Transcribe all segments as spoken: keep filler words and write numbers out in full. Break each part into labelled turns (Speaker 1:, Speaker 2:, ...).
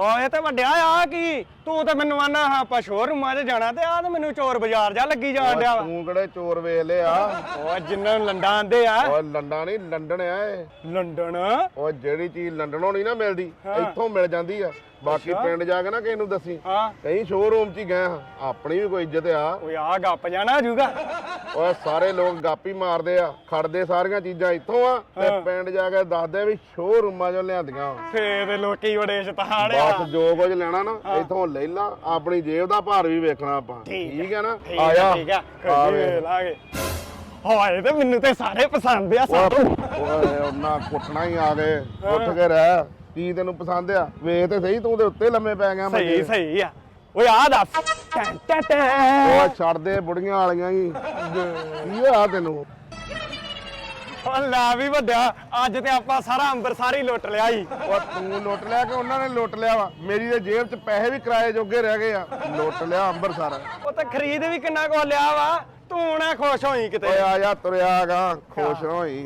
Speaker 1: ਓਏ ਤੇ ਵੱਡਿਆ ਆ ਕੀ ਤੂੰ ਤੇ ਮੈਨੂੰ ਆਨਾ ਆਪਾਂ ਸ਼ੋਰੂਮਾਂ 'ਚ ਜਾਣਾ ਤੇ ਆ ਤੇ ਮੈਨੂੰ ਚੋਰ ਬਾਜ਼ਾਰ ਜਾ ਲੱਗੀ ਜਾਣ ਡਿਆ ਵਾ।
Speaker 2: ਤੂੰ ਕਿਹੜੇ ਚੋਰ ਵੇਖ ਲਿਆ?
Speaker 1: ਓਏ ਜਿੰਨਾਂ ਨੂੰ ਲੰਡਾ ਆਂਦੇ ਆ।
Speaker 2: ਓਏ ਲੰਡਾ ਨਹੀਂ ਲੰਡਨ ਆ ਇਹ।
Speaker 1: ਲੰਡਨ?
Speaker 2: ਓਏ ਜਿਹੜੀ ਚੀਜ਼ ਲੰਡਨੋਂ ਨਹੀਂ ਨਾ ਮਿਲਦੀ ਇੱਥੋਂ ਮਿਲ ਜਾਂਦੀ ਆ। ਬਾਕੀ ਪਿੰਡ ਜਾ ਕੇ ਨਾ ਕਿਸੇ ਨੂੰ ਦੱਸੀ।
Speaker 1: ਹਾਂ
Speaker 2: ਕਈ ਸ਼ੋਰੂਮ 'ਚ ਹੀ ਗਏ ਹਾਂ, ਆਪਣੀ ਵੀ ਕੋਈ ਇੱਜ਼ਤ ਆ।
Speaker 1: ਓਏ ਆ ਗੱਪ ਜਾਣਾ ਜੂਗਾ।
Speaker 2: ਓਏ ਸਾਰੇ ਲੋਕ ਗਾਪੀ ਮਾਰਦੇ ਆ, ਖੜਦੇ ਸਾਰੀਆਂ ਚੀਜ਼ਾਂ ਇੱਥੋਂ ਆ ਤੇ ਪਿੰਡ ਜਾ ਕੇ ਦੱਸਦੇ ਵੀ ਸ਼ੋਰੂਮਾਂ 'ਚੋਂ ਲਿਆਂਦੀਆਂ।
Speaker 1: ਫੇਰ ਲੋਕੀ ਬੜੇ ਸ਼ਤਾਨ ਆ।
Speaker 2: ਬਸ ਜੋ ਕੁਝ ਲੈਣਾ ਨਾ ਇੱਥੋਂ ਲੈ ਲਾ, ਆਪਣੀ ਜੇਬ ਦਾ ਭਾਰ ਵੀ ਵੇਖਣਾ ਆਪਾਂ। ਠੀਕ ਹੈ ਨਾ?
Speaker 1: ਆ ਜਾ ਠੀਕ ਆ ਲਾਗੇ। ਹੋਏ ਤੇ ਮੈਨੂੰ ਤੇ ਸਾਰੇ ਪਸੰਦ ਆ ਸਾਰੇ।
Speaker 2: ਓਏ ਉਹਨਾਂ ਕੁੱਟਣਾ ਹੀ ਆ ਗਏ। ਉੱਠ ਕੇ ਰਹਿ, ਕੀ ਤੈਨੂੰ ਪਸੰਦ ਆ? ਵੇਖ ਤੇ ਸਹੀ, ਤੂੰ ਦੇ ਉੱਤੇ ਲੰਮੇ ਪੈ ਗਿਆ।
Speaker 1: ਸਹੀ ਸਹੀ ਆ। ਓਏ ਆ ਦੱਸ। ਟੈਂ ਟੈਂ ਟੈਂ।
Speaker 2: ਓਏ ਛੱਡ ਦੇ ਬੁੜੀਆਂ ਵਾਲੀਆਂ ਹੀ। ਕੀ ਹੋਇਆ ਤੈਨੂੰ?
Speaker 1: ਓ ਲੈ ਵੀ ਵੱਡਿਆ, ਅੱਜ ਤੇ ਆਪਾਂ ਸਾਰਾ ਅੰਬਰਸਰ ਹੀ ਲੁੱਟ ਲਿਆ ਈ।
Speaker 2: ਓ ਤੂੰ ਲੁੱਟ ਲਿਆ ਕਿ ਉਹਨਾਂ ਨੇ ਲੁੱਟ ਲਿਆ ਵਾ? ਮੇਰੀ ਤੇ ਜੇਬ 'ਚ ਪੈਸੇ ਵੀ ਕਿਰਾਏ ਜੋਗੇ ਰਹਿ ਗਏ ਆ। ਲੁੱਟ ਲਿਆ ਅੰਬਰਸਰ।
Speaker 1: ਉਹ ਤਾਂ ਖਰੀਦ ਵੀ ਕਿੰਨਾ ਕੁ ਲਿਆ ਵਾ, ਤੂੰ ਨਾ ਖੁਸ਼ ਹੋਈ ਕਿਤੇ।
Speaker 2: ਓਏ ਆ ਜਾ ਤੁਰਿਆ ਗਾ, ਖੁਸ਼ ਹੋਈ।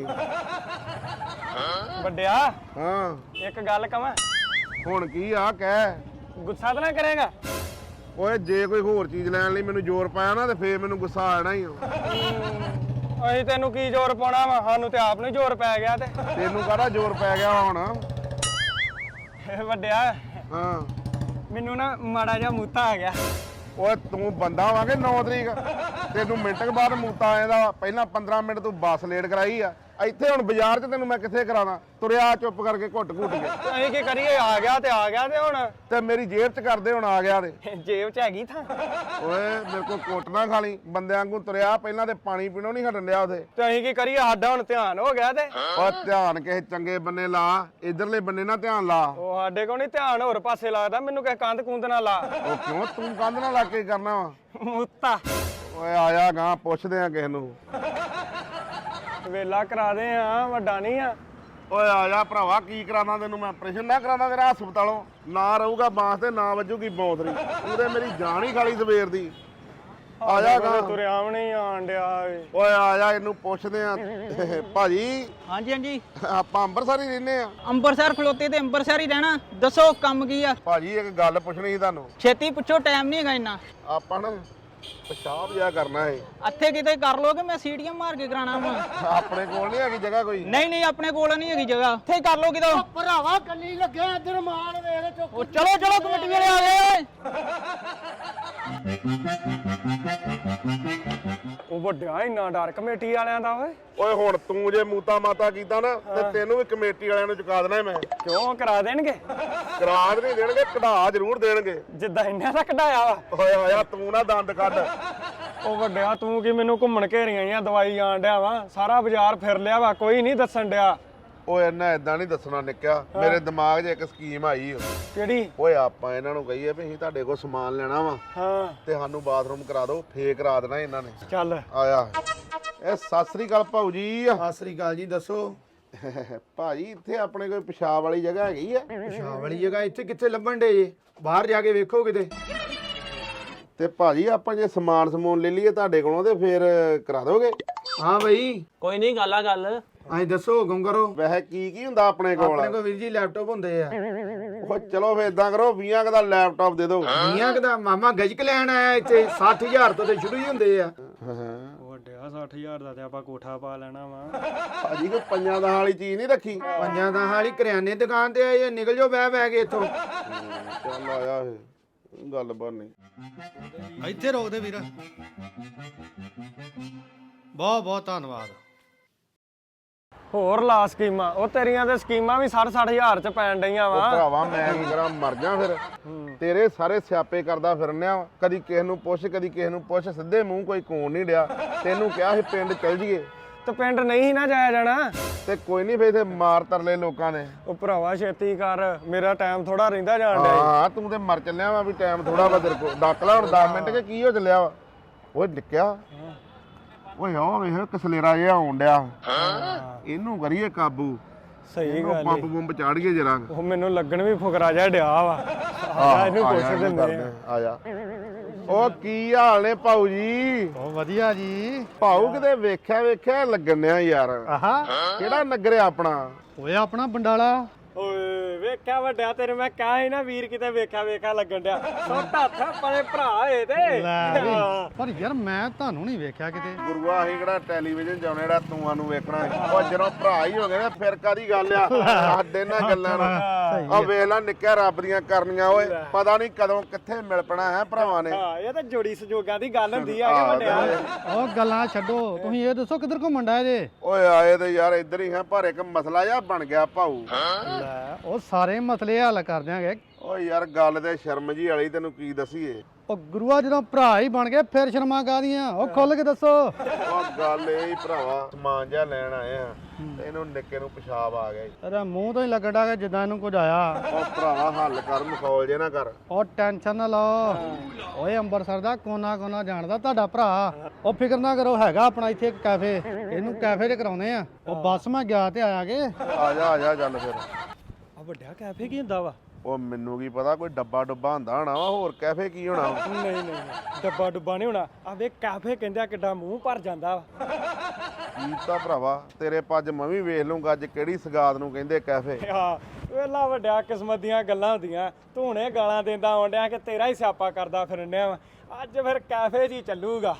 Speaker 1: ਵੱਡਿਆ
Speaker 2: ਹਾਂ
Speaker 1: ਇੱਕ ਗੱਲ ਕਵਾਂ?
Speaker 2: ਹੁਣ ਕੀ ਆ ਕਹਿ।
Speaker 1: ਗੁੱਸਾ ਤਾਂ ਨਾ ਕਰੇਗਾ?
Speaker 2: ਓਏ ਜੇ ਕੋਈ ਹੋਰ ਚੀਜ਼ ਲੈਣ ਲਈ ਮੈਨੂੰ ਜ਼ੋਰ ਪਾਇਆ ਨਾ ਤੇ ਫੇਰ ਮੈਨੂੰ ਗੁੱਸਾ ਆ ਜਾਣਾ ਹੀ ਆ।
Speaker 1: ਅਸੀਂ ਤੈਨੂੰ ਕੀ ਜ਼ੋਰ ਪਾਉਣਾ ਵਾ, ਸਾਨੂੰ ਤੇ ਆਪ ਨੂੰ ਜ਼ੋਰ ਪੈ ਗਿਆ। ਤੇ
Speaker 2: ਤੈਨੂੰ ਕਾਹਦਾ ਜ਼ੋਰ ਪੈ ਗਿਆ ਹੁਣ?
Speaker 1: ਵੱਡਿਆ
Speaker 2: ਹਾਂ
Speaker 1: ਮੈਨੂੰ ਨਾ ਮਾੜਾ ਜਿਹਾ ਮੂਤਾ ਆ ਗਿਆ।
Speaker 2: ਓਏ ਤੂੰ ਬੰਦਾ ਵਾਂਗੇ ਨੌ ਤਰੀਕ ਤੈਨੂੰ ਮਿੰਟ ਕੇ ਬਾਅਦ ਮੂਤਾ ਆ ਜਾਂਦਾ। ਪਹਿਲਾਂ ਪੰਦਰਾਂ ਮਿੰਟ ਤੂੰ ਬੱਸ ਲੇਟ ਕਰਾਈ ਆ। ਇੱਥੇ ਹੁਣ ਬਾਜ਼ਾਰ 'ਚ ਤੈਨੂੰ ਮੈਂ ਕਿੱਥੇ ਕਰਾਵਾਂ? ਤੁਰਿਆ ਚੁੱਪ ਕਰਕੇ ਘੁੱਟ ਘੁੱਟ ਕੇ।
Speaker 1: ਅਸੀਂ ਕੀ ਕਰੀਏ? ਆ ਗਿਆ ਤੇ ਆ ਗਿਆ। ਤੇ ਹੁਣ
Speaker 2: ਤੇ ਮੇਰੀ ਜੇਬ 'ਚ ਕਰਦੇ ਹੁਣ ਆ ਗਿਆ ਤੇ।
Speaker 1: ਜੇਬ 'ਚ ਹੈਗੀ ਥਾਂ।
Speaker 2: ਓਏ ਮੇਰੇ ਕੋਲ ਕੁੱਟ ਨਾ ਖਾ ਲਈ। ਬੰਦਿਆਂ ਵਾਂਗੂ ਤੁਰਿਆ, ਪਹਿਲਾਂ ਤੇ ਪਾਣੀ ਪੀਣੋਂ ਨਹੀਂ ਹਟਣ ਡਿਆ ਉਥੇ।
Speaker 1: ਤੇ ਅਸੀਂ ਕੀ ਕਰੀਏ? ਸਾਡਾ ਹੁਣ ਧਿਆਨ ਹੋ ਗਿਆ। ਤੇ
Speaker 2: ਓ ਧਿਆਨ ਕਿਸੇ ਚੰਗੇ ਬੰਨੇ ਲਾ, ਇਧਰਲੇ ਬੰਨੇ ਨਾ ਧਿਆਨ ਲਾ।
Speaker 1: ਉਹ ਸਾਡੇ ਕੋਲ ਨਹੀਂ ਧਿਆਨ, ਹੋਰ ਪਾਸੇ ਲੱਗਦਾ। ਮੈਨੂੰ ਕਿਸੇ ਕੰਧ ਕੁੰਧ ਨਾ ਲਾ।
Speaker 2: ਉਹ ਕਿਉਂ? ਤੂੰ ਕੰਧ ਨਾਲ ਲੱਗ ਕੇ ਕਰਨਾ ਵਾ?
Speaker 1: ਮੂਤਾ
Speaker 2: ਓਏ ਆਇਆ ਗਾਂ, ਪੁੱਛਦੇ ਆ ਕਿਸੇ ਨੂੰ।
Speaker 1: ਵੇਲਾ ਕਰਾ ਦੇ ਆ, ਵੱਡਾ ਨਹੀਂ ਆ।
Speaker 2: ਓਏ ਆ ਜਾ ਭਰਾਵਾ, ਕੀ ਕਰਾਣਾ ਤੈਨੂੰ ਮੈਂ? ਆਪਰੇਸ਼ਨ ਨਾ ਕਰਾਣਾ ਤੇਰਾ ਹਸਪਤਾਲੋਂ? ਨਾ ਰਹੂਗਾ ਬਾਂਸ ਤੇ ਨਾ ਵੱਜੂਗੀ ਬੌਂਦਰੀ। ਉਹਦੇ ਮੇਰੀ ਜਾਨ ਹੀ ਖਾਲੀ ਸਵੇਰ ਦੀ। ਆ ਜਾ ਗਾ।
Speaker 1: ਤੁਰਿਆ ਵੀ ਨਹੀਂ ਆਣ ਡਿਆ।
Speaker 2: ਓਏ ਆ ਜਾ, ਇਹਨੂੰ ਪੁੱਛਦੇ ਆ। ਭਾਜੀ
Speaker 3: ਹਾਂਜੀ ਹਾਂਜੀ
Speaker 2: ਆਪਾਂ ਅੰਮ੍ਰਿਤਸਰ ਹੀ ਰਹਿੰਦੇ ਆ।
Speaker 3: ਅੰਮ੍ਰਿਤਸਰ ਖਲੋਤੇ ਤੇ ਅੰਮ੍ਰਿਤਸਰ ਹੀ ਰਹਿਣਾ। ਦੱਸੋ ਕੰਮ ਕੀ ਆ?
Speaker 2: ਭਾਜੀ ਇੱਕ ਗੱਲ ਪੁੱਛਣੀ ਸੀ ਤੁਹਾਨੂੰ।
Speaker 3: ਛੇਤੀ ਪੁੱਛੋ, ਟਾਈਮ ਨਹੀਂ ਹੈਗਾ ਇੰਨਾ।
Speaker 2: ਆਪਾਂ ਨਾ ਪਿਸ਼ਾਬ ਜਿਹਾ ਕਰਨਾ ਹੈ।
Speaker 3: ਇੱਥੇ ਕਿਤੇ ਕਰ ਲੋਗੇ, ਮੈਂ ਸੀੜੀਆਂ ਮਾਰ ਕੇ ਕਰਾਣਾ ਵਾ।
Speaker 2: ਆਪਣੇ ਕੋਲ ਨਹੀਂ ਹੈਗੀ ਜਗ੍ਹਾ ਕੋਈ?
Speaker 3: ਨਹੀਂ ਨਹੀਂ ਆਪਣੇ ਕੋਲ ਨਹੀਂ ਹੈਗੀ ਜਗ੍ਹਾ। ਇੱਥੇ ਹੀ ਕਰ ਲੋ ਕਿਤੇ।
Speaker 4: ਭਰਾਵਾ ਕੱਲੀ ਲੱਗਿਆ ਇੱਧਰ ਮਾਲ ਵੇਖ ਚੁੱਕ।
Speaker 3: ਉਹ ਚਲੋ ਚਲੋ ਕਮੇਟੀ ਵਾਲੇ ਆ ਗਏ।
Speaker 1: ਉਹ ਵੱਡਿਆ ਇੰਨਾ ਡਰ ਕਮੇਟੀ ਵਾਲਿਆਂ ਦਾ। ਓਏ
Speaker 2: ਓਏ ਹੁਣ ਤੂੰ ਜੇ ਮੂਤਾ ਮਾਤਾ ਕੀਤਾ ਨਾ ਤੇ ਤੈਨੂੰ ਵੀ ਕਮੇਟੀ ਵਾਲਿਆਂ ਨੂੰ ਚੁਕਾ ਦੇਣਾ ਮੈਂ।
Speaker 1: ਕਿਉਂ ਕਰਾ ਦੇਣਗੇ?
Speaker 2: ਕਰਾਦ ਨਹੀਂ ਦੇਣਗੇ, ਕਢਾ ਜ਼ਰੂਰ ਦੇਣਗੇ।
Speaker 1: ਜਿੱਦਾਂ ਇੰਨਾ ਦਾ ਕਢਾਇਆ ਵਾ।
Speaker 2: ਓਏ ਆਇਆ ਤੂੰ ਨਾ ਦੰਦ ਕੱਢ।
Speaker 1: ਉਹ ਵੱਡਿਆ ਤੂੰ ਕੀ ਮੈਨੂੰ ਘੁੰਮਣ ਘੇਰੀਆਂ ਜਾਂ ਦਵਾਈ ਆਣ ਡਿਆ ਵਾ? ਸਾਰਾ ਬਾਜ਼ਾਰ ਫਿਰ ਲਿਆ ਵਾ, ਕੋਈ ਨਹੀਂ ਦੱਸਣ ਡਿਆ।
Speaker 2: ਓਏ ਇਹਨਾਂ ਏਦਾਂ ਨਹੀਂ ਦੱਸਣਾ ਨਿੱਕਿਆ। ਮੇਰੇ ਦਿਮਾਗ 'ਚ ਇੱਕ ਸਕੀਮ ਆਈ।
Speaker 1: ਕਿਹੜੀ?
Speaker 2: ਓਏ ਆਪਾਂ ਇਹਨਾਂ ਨੂੰ ਕਹੀਏ ਵੀ ਅਸੀਂ ਤੁਹਾਡੇ ਕੋਲ ਸਮਾਨ ਲੈਣਾ ਵਾ
Speaker 1: ਹਾਂ
Speaker 2: ਤੇ ਸਾਨੂੰ ਬਾਥਰੂਮ ਕਰਾ ਦਿਓ। ਫੇਕ ਕਰਾ ਦੇਣਾ ਇਹਨਾਂ ਨੇ।
Speaker 1: ਚੱਲ।
Speaker 2: ਆਇਆ ਇਹ ਸਤਿ ਸ੍ਰੀ ਅਕਾਲ ਭਾਊ ਜੀ।
Speaker 5: ਸਤਿ ਸ੍ਰੀ ਅਕਾਲ ਜੀ। ਦੱਸੋ
Speaker 2: ਭਾਜੀ ਇੱਥੇ ਆਪਣੇ ਕੋਈ ਪਿਸ਼ਾਬ ਵਾਲੀ ਜਗ੍ਹਾ ਹੈਗੀ ਆ?
Speaker 5: ਪਿਸ਼ਾਬ ਵਾਲੀ ਜਗ੍ਹਾ ਇੱਥੇ ਕਿੱਥੇ ਲੱਭਣ ਡੇ ਜੇ? ਬਾਹਰ ਜਾ ਕੇ ਵੇਖੋ ਕਿਤੇ।
Speaker 2: ਤੇ ਭਾਜੀ ਆਪਾਂ ਜੇ ਸਮਾਨ ਸਮੂਨ ਲੈ ਲਈਏ ਤੁਹਾਡੇ ਕੋਲੋਂ ਤੇ ਫੇਰ ਕਰਾ ਦੋਗੇ?
Speaker 5: ਹਾਂ ਬਈ
Speaker 3: ਕੋਈ ਨਹੀਂ, ਗੱਲ ਆ ਗੱਲ।
Speaker 5: ਅਸੀਂ ਦੱਸੋ ਹੁਕਮ ਕਰੋ।
Speaker 2: ਵੈਸੇ ਕੀ ਕੀ ਹੁੰਦਾ ਆਪਣੇ ਕੋਲ?
Speaker 5: ਆਪਣੇ ਕੋਲ ਵੀਰ ਜੀ ਲੈਪਟਾਪ ਹੁੰਦੇ ਆ।
Speaker 2: ਉਹ ਚਲੋ ਫੇਰ ਇਦਾਂ ਕਰੋ, ਵੀਹਾਂ ਕੁ ਦਾ ਲੈਪਟਾਪ ਦੇ ਦਿਓ।
Speaker 5: ਵੀਹਾਂ ਕੁ ਦਾ ਮਾਮਾ ਗਜਕ ਲੈਣ ਆਇਆ ਇੱਥੇ। ਸੱਠ ਹਜ਼ਾਰ ਤੋਂ ਤੇ ਸ਼ੁਰੂ ਹੀ ਹੁੰਦੇ ਆ।
Speaker 1: ਵੱਡਿਆ ਸੱਠ ਹਜ਼ਾਰ ਦਾ ਤੇ ਆਪਾਂ ਕੋਠਾ ਪਾ ਲੈਣਾ ਵਾ।
Speaker 2: ਭਾਜੀ ਕੋਈ ਪੰਜਾਂ ਦਸਾਂ ਵਾਲੀ ਚੀਜ਼ ਨਹੀਂ ਰੱਖੀ?
Speaker 5: ਪੰਜਾਂ ਦਾ ਹਾਲੀ ਕਰਿਆਨੇ ਦੁਕਾਨ ਤੇ ਆਏ, ਨਿਕਲ ਜਾਓ ਬਹਿ ਬਹਿ ਕੇ ਇੱਥੋਂ।
Speaker 2: ਚੱਲ ਆਇਆ ਇਹ ਗੱਲ ਬਣਨੀ।
Speaker 6: ਇੱਥੇ ਰੋਕ ਦੇ ਵੀਰ। ਬਹੁਤ ਬਹੁਤ ਧੰਨਵਾਦ।
Speaker 1: ਹੋਰ ਲਾ ਸਕੀਮਾਂ। ਉਹ ਤੇਰੀਆਂ ਤੇ ਸਕੀਮਾਂ ਵੀ ਸੱਠ ਸੱਠ ਹਜ਼ਾਰ ਚ ਪੈਣ ਡਈਆਂ
Speaker 2: ਉਹ
Speaker 1: ਵਾ।
Speaker 2: ਭਰਾਵਾ ਮੈਂ ਕੀ ਕਰਾਂ, ਮਰ ਜਾ ਫਿਰ। ਤੇਰੇ ਸਾਰੇ ਸਿਆਪੇ ਕਰਦਾ ਫਿਰਨਿਆ। ਕਦੀ ਕਿਸੇ ਨੂੰ ਪੁੱਛ, ਕਦੀ ਕਿਸੇ ਨੂੰ ਪੁੱਛ, ਸਿੱਧੇ ਮੂੰਹ ਕੋਈ ਕੋਣ ਨਹੀਂ ਡਿਆ। ਤੈਨੂੰ ਕਿਹਾ ਸੀ ਪਿੰਡ ਚੱਲ ਜੀਏ
Speaker 1: ਤੇ ਪਿੰਡ ਨਹੀਂ ਨਾ ਜਾਇਆ ਜਾਣਾ।
Speaker 2: ਤੇ ਕੋਈ ਨਹੀਂ ਫੇਰ ਇਥੇ ਮਾਰ ਤਰਲੇ ਲੋਕਾਂ ਨੇ।
Speaker 1: ਉਹ ਭਰਾਵਾ ਛੇਤੀ ਕਰ, ਮੇਰਾ ਟਾਈਮ ਥੋੜਾ ਰਹਿੰਦਾ ਜਾਣ ਡਿਆ।
Speaker 2: ਹਾਂ ਤੂੰ ਤੇ ਮਰ ਚੱਲਿਆ ਵਾ ਵੀ ਟਾਈਮ ਥੋੜਾ ਵਾ ਤੇਰੇ ਕੋਲ। ਡੱਕ ਲੈ ਹੁਣ ਦਸ ਮਿੰਟ ਕੇ ਕੀ ਹੋ ਚੱਲਿਆ ਵਾ? ਓਏ ਨਿੱਕਿਆ, ਓਏ ਆ ਵੇਖ ਕਸਲੇਰਾ ਜਿਹਾ ਆਉਣ ਡਿਆ। ਇਹਨੂੰ ਕਰੀਏ ਕਾਬੂ।
Speaker 1: ਸਹੀ ਗੱਲ
Speaker 2: ਪੰਪ ਪੰਪ ਚਾੜੀਏ ਜਰਾ।
Speaker 1: ਉਹ ਮੈਨੂੰ ਲੱਗਣ ਵੀ ਫੁਕਰਾ ਜਿਹਾ ਡਿਆ ਵਾ। ਆ ਇਹਨੂੰ ਪੁੱਛ ਦਿੰਦੇ ਆ।
Speaker 2: ਆ ਜਾ। ਉਹ ਕੀ ਹਾਲ ਨੇ ਭਾਊ ਜੀ?
Speaker 6: ਬਹੁਤ ਵਧੀਆ ਜੀ।
Speaker 2: ਭਾਊ ਕਿਤੇ ਵੇਖਿਆ ਵੇਖਿਆ ਲੱਗਣ ਡਿਆ ਯਾਰ।
Speaker 6: ਆਹਾ
Speaker 2: ਕਿਹੜਾ ਨਗਰ ਆ ਆਪਣਾ?
Speaker 6: ਓਏ ਆਪਣਾ ਬੰਡਾਲਾ।
Speaker 1: ਓਏ ਓਏ ਵੇਖਿਆ ਵੱਡਿਆ ਤੇਰੇ ਮੈਂ ਕਿਹਾ ਸੀ ਨਾ ਵੀਰ ਕਿਤੇ ਵੇਖਿਆ ਵੇਖਿਆ ਲੱਗਣ ਡਿਆ ਸੁੱਟ ਹੱਥ ਪਰੇ ਭਰਾ ਹੋਏ ਤੇ
Speaker 6: ਲੈ ਵੀ।
Speaker 1: ਹਾਂ।
Speaker 6: ਪਰ ਯਾਰ ਮੈਂ ਤੁਹਾਨੂੰ ਨਹੀਂ ਵੇਖਿਆ ਕਿਤੇ।
Speaker 2: ਗੁਰੂਆ ਅਸੀਂ ਕਿਹੜਾ ਟੈਲੀਵਿਜ਼ਨ ਜਾਉਣੇ ਜਿਹੜਾ ਤੂੰ ਨੂੰ ਵੇਖਣਾ ਉਹ ਜਦੋਂ ਭਰਾ ਹੀ ਹੋ ਗਏ ਨਾ ਫਿਰ ਕਾਦੀ ਗੱਲ ਆ ਸਾਡੇ ਨਾਲ ਗੱਲਾਂ ਨੂੰ ਆ ਵੇਖ ਲੈ ਨਿੱਕਿਆ ਰੱਬ ਦੀਆਂ ਕਰਨੀਆਂ ਓਏ ਪਤਾ ਨਹੀਂ ਕਦੋਂ ਕਿੱਥੇ ਮਿਲ ਪਣਾ ਹੈ ਭਰਾਵਾਂ ਨੇ
Speaker 1: ਹਾਂ ਇਹ ਤਾਂ ਜੋੜੀ ਸੰਜੋਗਾਂ ਦੀ ਗੱਲ ਹੁੰਦੀ ਆ ਕਿ
Speaker 2: ਆਹ
Speaker 1: ਵੱਡਿਆ
Speaker 2: ਤੇ-
Speaker 6: ਉਹ ਗੱਲਾਂ ਛੱਡੋ, ਤੁਸੀਂ ਇਹ ਦੱਸੋ ਕਿੱਧਰ ਘੁੰਮਣ ਡਾਏ ਜੇ?
Speaker 2: ਓਏ ਆਏ ਤੇ ਯਾਰ ਇੱਧਰ ਹੀ ਹਾਂ ਪਰ ਇੱਕ ਮਸਲਾ ਜਿਹਾ ਬਣ ਗਿਆ ਭਾਊ।
Speaker 6: ਲੈ ਉਹ ਸਾਰੇ ਮਸਲੇ ਹੱਲ ਕਰ ਦਿਆਂਗੇ।
Speaker 2: ਓਏ ਯਾਰ ਗੱਲ ਤੇ ਸ਼ਰਮ ਜੀ ਵਾਲੀ ਤੈਨੂੰ ਕੀ ਦਸੀਏ।
Speaker 6: ਉਹ ਗੁਰੂਆ ਜਦੋਂ ਭਰਾ ਹੀ ਬਣ ਗਏ ਫਿਰ ਸ਼ਰਮਾ ਕਾਹਦੀਆਂ? ਉਹ ਖੁੱਲ ਕੇ ਦੱਸੋ।
Speaker 2: ਉਹ ਗੱਲ ਇਹ ਹੀ ਭਰਾਵਾ ਸਮਾਨ ਜਿਹਾ ਲੈਣ ਆਏ ਆ ਤੇ ਇਹਨੂੰ ਨਿੱਕੇ ਨੂੰ ਪਿਸ਼ਾਬ ਆ ਗਿਆ ਈ।
Speaker 6: ਤੇਰਾ ਮੂੰਹ ਤੋਂ ਹੀ ਲੱਗਣ ਡਿਆ ਕਿ ਜਿੱਦਾਂ ਇਹਨੂੰ ਕੁਝ ਆਇਆ।
Speaker 2: ਉਹ ਭਰਾਵਾ ਹੱਲ ਕਰ ਮਖੌਲ ਜੇ ਨਾ ਕਰ।
Speaker 6: ਉਹ ਟੈਨਸ਼ਨ ਨਾ ਲਓ, ਓਏ ਅੰਮ੍ਰਿਤਸਰ ਦਾ ਕੋਨਾ ਕੋਨਾ ਜਾਣਦਾ ਤੁਹਾਡਾ ਭਰਾ। ਉਹ ਫਿਕਰ ਨਾ ਕਰੋ, ਹੈਗਾ ਆਪਣਾ ਇੱਥੇ ਇੱਕ ਕੈਫੇ, ਇਹਨੂੰ ਕੈਫੇ 'ਚ ਕਰਾਉਨੇ ਆ। ਉਹ ਬੱਸ ਮੈਂ ਗਿਆ ਤੇ ਆਇਆ ਕੇ।
Speaker 2: ਆ ਜਾ ਆ ਜਾ ਚੱਲ ਫਿਰ।
Speaker 1: ਆ ਵੱਡਿਆ ਕੈਫੇ ਕੀ ਹੁੰਦਾ ਵਾ?
Speaker 2: ਉਹ ਮੈਨੂੰ ਕੀ ਪਤਾ ਕੋਈ ਡੱਬਾ ਡੁੱਬਾ ਹੁੰਦਾ ਹੋਣਾ ਵਾ, ਹੋਰ ਕੈਫੇ ਕੀ ਹੋਣਾ ਵਾ।
Speaker 1: ਨਹੀਂ ਨਹੀਂ ਨਹੀਂ, ਡੱਬਾ ਡੁੱਬਾ ਨਹੀਂ ਹੋਣਾ। ਆ ਵੇ ਕੈਫੇ ਕਹਿੰਦੇ ਆ ਕਿੱਡਾ ਮੂੰਹ ਭਰ ਜਾਂਦਾ ਵਾ।
Speaker 2: ਕੀ ਤਾਂ ਭਰਾਵਾ ਤੇਰੇ ਪੱਜ ਮੈਂ ਵੀ ਵੇਖ ਲੂੰਗਾ ਅੱਜ ਕਿਹੜੀ ਸਗਾਤ ਨੂੰ ਕਹਿੰਦੇ ਕੈਫੇ।
Speaker 1: ਹਾਂ ਵੇਲਾ ਵੱਡਿਆ ਕਿਸਮਤ ਦੀਆਂ ਗੱਲਾਂ ਹੁੰਦੀਆਂ। ਤੂੰ ਹੁਣੇ ਗਾਲਾਂ ਦਿੰਦਾ ਆਉਂਦਿਆਂ ਕਿ ਤੇਰਾ ਹੀ ਸਿਆਪਾ ਕਰਦਾ ਫਿਰਨਿਆ ਵਾ। ਅੱਜ ਫਿਰ ਕੈਫੇ 'ਚ ਹੀ ਚੱਲੂਗਾ।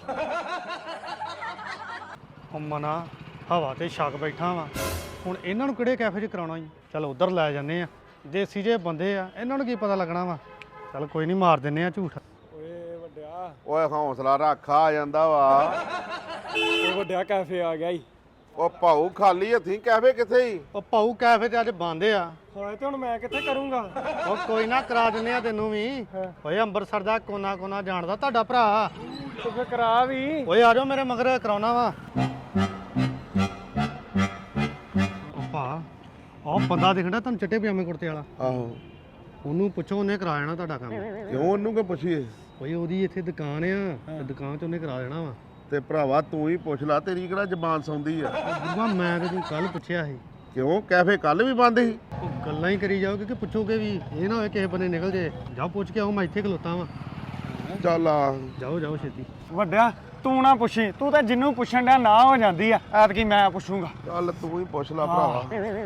Speaker 6: ਉਹ ਮਨਾ ਹਵਾ ਤੇ ਛੱਕ ਬੈਠਾ ਵਾ। ਹੁਣ ਇਹਨਾਂ ਨੂੰ ਕਿਹੜੇ ਕੈਫੇ 'ਚ ਕਰਾਉਣਾ ਜੀ? ਚਲ ਉਧਰ ਲੈ ਜੰਨੇ ਆ, ਦੇਸੀ ਜੇ ਬੰਦੇ ਆ, ਇਹਨਾਂ ਨੂੰ ਕੀ ਪਤਾ ਲੱਗਣਾ ਵਾ। ਚਲ ਕੋਈ ਨਹੀਂ, ਮਾਰ ਦਿੰਨੇ ਆ ਝੂਠ।
Speaker 1: ਓਏ ਵੱਡਿਆ
Speaker 2: ਓਏ ਹੌਸਲਾ ਰੱਖ ਆ ਜਾਂਦਾ ਵਾ।
Speaker 1: ਓਏ ਵੱਡਿਆ ਕੈਫੇ ਆ ਗਿਆ ਈ।
Speaker 2: ਉਹ ਭਾਊ ਖਾਲੀ ਹੱਥੀਂ ਕੈਫੇ ਕਿੱਥੇ ਹੀ?
Speaker 6: ਉਹ ਭਾਊ ਕੈਫੇ ਤੇ ਅੱਜ ਬੰਦ ਆ।
Speaker 1: ਹੋਏ ਤੇ ਹੁਣ ਮੈਂ ਕਿੱਥੇ ਕਰੂੰਗਾ?
Speaker 6: ਉਹ ਕੋਈ ਨਾ ਕਰਾ ਦਿੰਨੇ ਆ ਤੈਨੂੰ ਵੀ। ਓਏ ਅੰਮ੍ਰਿਤਸਰ ਦਾ ਕੋਨਾ ਕੋਨਾ ਜਾਣਦਾ ਤੁਹਾਡਾ ਭਰਾ।
Speaker 1: ਤੂੰ ਫਿਰ ਕਰਾ ਵੀ।
Speaker 6: ਓਏ ਆ ਜਾਓ ਮੇਰੇ ਮਗਰ, ਕਰਾਉਣਾ ਵਾ। ਉਹ ਭਾ ਉਹ ਬੰਦਾ ਦਿਖਦਾ ਤੁਹਾਨੂੰ ਚਿੱਟੇ ਪਜਾਮੇ ਕੁੜਤੇ ਵਾਲਾ,
Speaker 2: ਆਹੋ
Speaker 6: ਉਹਨੂੰ ਪੁੱਛੋ, ਉਹਨੇ ਕਰਾ ਦੇਣਾ ਤੁਹਾਡਾ ਕੰਮ।
Speaker 2: ਕਿਉਂ ਉਹਨੂੰ ਕਿ ਪੁੱਛੀਏ?
Speaker 6: ਓਏ ਉਹਦੀ ਇੱਥੇ ਦੁਕਾਨ ਆ ਤੇ ਦੁਕਾਨ 'ਚ ਉਹਨੇ ਕਰਾ ਦੇਣਾ ਵਾ।
Speaker 2: ਤੇ ਭਰਾਵਾ ਤੂੰ ਹੀ ਪੁੱਛ ਲੈ, ਤੇਰੀ ਕਿਹੜਾ ਜ਼ਬਾਨ ਸੌਂਦੀ ਆ।
Speaker 6: ਗੁਰੂਆ ਮੈਂ ਤੇ ਤੂੰ ਕੱਲ ਪੁੱਛਿਆ ਸੀ।
Speaker 2: ਕਿਉਂ ਕੈਫੇ ਕੱਲ ਵੀ ਬੰਦ ਸੀ?
Speaker 6: ਉਹ ਗੱਲਾਂ ਹੀ ਕਰੀ ਜਾਓਗੇ ਕਿ ਪੁੱਛੋਗੇ ਵੀ, ਇਹ ਨਾ ਹੋਏ ਕਿਸੇ ਬੰਨੇ ਨਿਕਲ ਜੇ। ਜਾਓ ਪੁੱਛ ਕੇ ਆਓ, ਮੈਂ ਇੱਥੇ ਖਲੋਤਾ ਵਾਂ।
Speaker 2: ਚੱਲ ਆ।
Speaker 6: ਜਾਓ ਜਾਓ ਛੇਤੀ।
Speaker 1: ਵੱਡਿਆ ਤੂੰ ਨਾ ਪੁੱਛੀ, ਤੂੰ ਤਾਂ ਜਿੰਨੂੰ ਪੁੱਛਣ ਡਿਆ ਨਾ ਹੋ ਜਾਂਦੀ ਆ। ਐਤਕੀ ਮੈਂ ਪੁੱਛੂੰਗਾ।
Speaker 2: ਚੱਲ ਤੂੰ ਹੀ ਪੁੱਛ ਲੈ ਭਰਾਵਾ।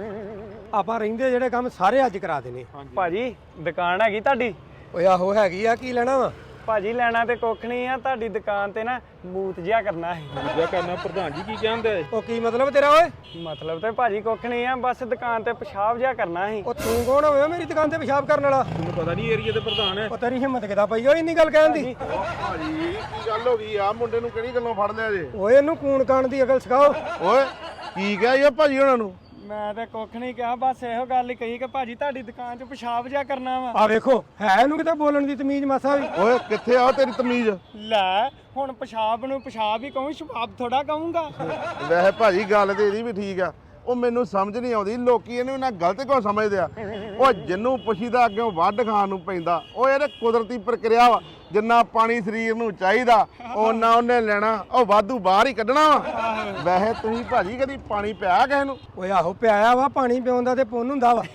Speaker 7: ਆਪਾਂ ਰਹਿੰਦੇ ਜਿਹੜੇ ਕੰਮ ਸਾਰੇ ਅੱਜ ਕਰਾ ਦੇਣੇ।
Speaker 1: ਭਾਜੀ ਦੁਕਾਨ ਹੈਗੀ ਤੁਹਾਡੀ?
Speaker 7: ਓਏ ਆਹੋ ਹੈਗੀ ਆ, ਕੀ ਲੈਣਾ ਵਾ?
Speaker 1: ਭਾਜੀ ਲੈਣਾ ਤੇ ਕੁੱਖ ਨਹੀਂ ਆ, ਤੁਹਾਡੀ ਦੁਕਾਨ ਤੇ ਨਾ ਬੂਤ ਜਿਹਾ ਕਰਨਾ ਹੈ।
Speaker 7: ਦੂਜਾ ਕਰਨਾ ਪ੍ਰਧਾਨ ਜੀ ਕੀ ਕਹਿੰਦੇ? ਉਹ ਕੀ ਮਤਲਬ ਤੇਰਾ ਓਏ?
Speaker 1: ਮਤਲਬ ਤੇ ਭਾਜੀ ਕੁੱਖ ਨਹੀਂ ਆ, ਬਸ ਦੁਕਾਨ ਤੇ ਪਿਸ਼ਾਬ ਜਿਹਾ ਕਰਨਾ ਸੀ।
Speaker 7: ਉਹ ਤੂੰ ਕੌਣ ਹੋਇਆ ਮੇਰੀ ਦੁਕਾਨ ਤੇ ਪਿਸ਼ਾਬ ਕਰਨ ਵਾਲਾ? ਤੈਨੂੰ ਪਤਾ ਨਹੀਂ ਏਰੀਆ ਦੇ ਪ੍ਰਧਾਨ ਹੈ। ਉਹ ਤੇਰੀ ਹਿੰਮਤ ਕਿਦਾਂ ਪਈ ਓਏ ਇੰਨੀ ਗੱਲ ਕਹਿਣ ਦੀ?
Speaker 2: ਉਹ ਭਾਜੀ ਕੀ ਗੱਲ ਹੋ ਗਈ ਆ? ਮੁੰਡੇ ਨੂੰ ਕਿਹੜੀ ਗੱਲੋਂ ਫੜ ਲਿਆ ਜੇ?
Speaker 7: ਓਏ ਇਹਨੂੰ ਕੂਣ ਕਾਣ ਦੀ ਅਕਲ ਸਿਖਾਓ।
Speaker 2: ਓਏ ਕੀ ਕਿਹਾ ਇਹ ਭਾਜੀ ਉਹਨਾਂ ਨੂੰ?
Speaker 1: ਮੈਂ ਤੇ ਕੁੱਖ ਨਹੀਂ ਕਿਹਾ, ਬਸ ਇਹੋ ਗੱਲ ਹੀ ਕਹੀ ਕਿ ਭਾਜੀ ਤੁਹਾਡੀ ਦੁਕਾਨ 'ਚ ਪਿਸ਼ਾਬ ਜਿਹਾ ਕਰਨਾ ਵਾ।
Speaker 7: ਆ ਵੇਖੋ ਹੈ ਇਹਨੂੰ ਕਿਤੇ ਬੋਲਣ ਦੀ ਤਮੀਜ਼ ਮਾਸਾ ਵੀ।
Speaker 2: ਓਏ ਕਿੱਥੇ ਆ ਤੇਰੀ ਤਮੀਜ਼?
Speaker 1: ਲੈ ਹੁਣ ਪਿਸ਼ਾਬ ਨੂੰ ਪਿਸ਼ਾਬ ਹੀ ਕਹੂੰ, ਸ਼ਬਾਬ ਥੋੜਾ ਕਹੂੰਗਾ।
Speaker 2: ਵੈਸੇ ਭਾਜੀ ਗੱਲ ਤੇ ਇਹਦੀ ਵੀ ਠੀਕ ਆ। ਉਹ ਮੈਨੂੰ ਸਮਝ ਨਹੀਂ ਆਉਂਦੀ ਲੋਕੀ ਇਹਨੂੰ ਨਾ ਗਲਤ ਕਿਉਂ ਸਮਝਦੇ ਆ। ਉਹ ਜਿੰਨੂੰ ਪੁੱਛੀਦਾ ਅੱਗੇ ਵੱਢ ਖਾਣ ਨੂੰ ਪੈਂਦਾ। ਉਹ ਇਹਦੇ ਕੁਦਰਤੀ ਪ੍ਰਕਿਰਿਆ ਵਾ, ਜਿੰਨਾ ਪਾਣੀ ਸਰੀਰ ਨੂੰ ਚਾਹੀਦਾ ਉਹਨਾਂ ਉਹਨੇ ਲੈਣਾ, ਉਹ ਵਾਧੂ ਬਾਹਰ ਹੀ ਕੱਢਣਾ ਵਾ। ਵੈਸੇ ਤੁਸੀਂ ਭਾਜੀ ਕਦੀ ਪਾਣੀ ਪਿਆ ਕਿਸੇ ਨੂੰ?
Speaker 7: ਓਏ ਆਹੋ ਪਿਆਇਆ ਵਾ, ਪਾਣੀ ਪਿਆਉਣ ਦਾ ਤੇ ਪੁੰਨ ਹੁੰਦਾ ਵਾ।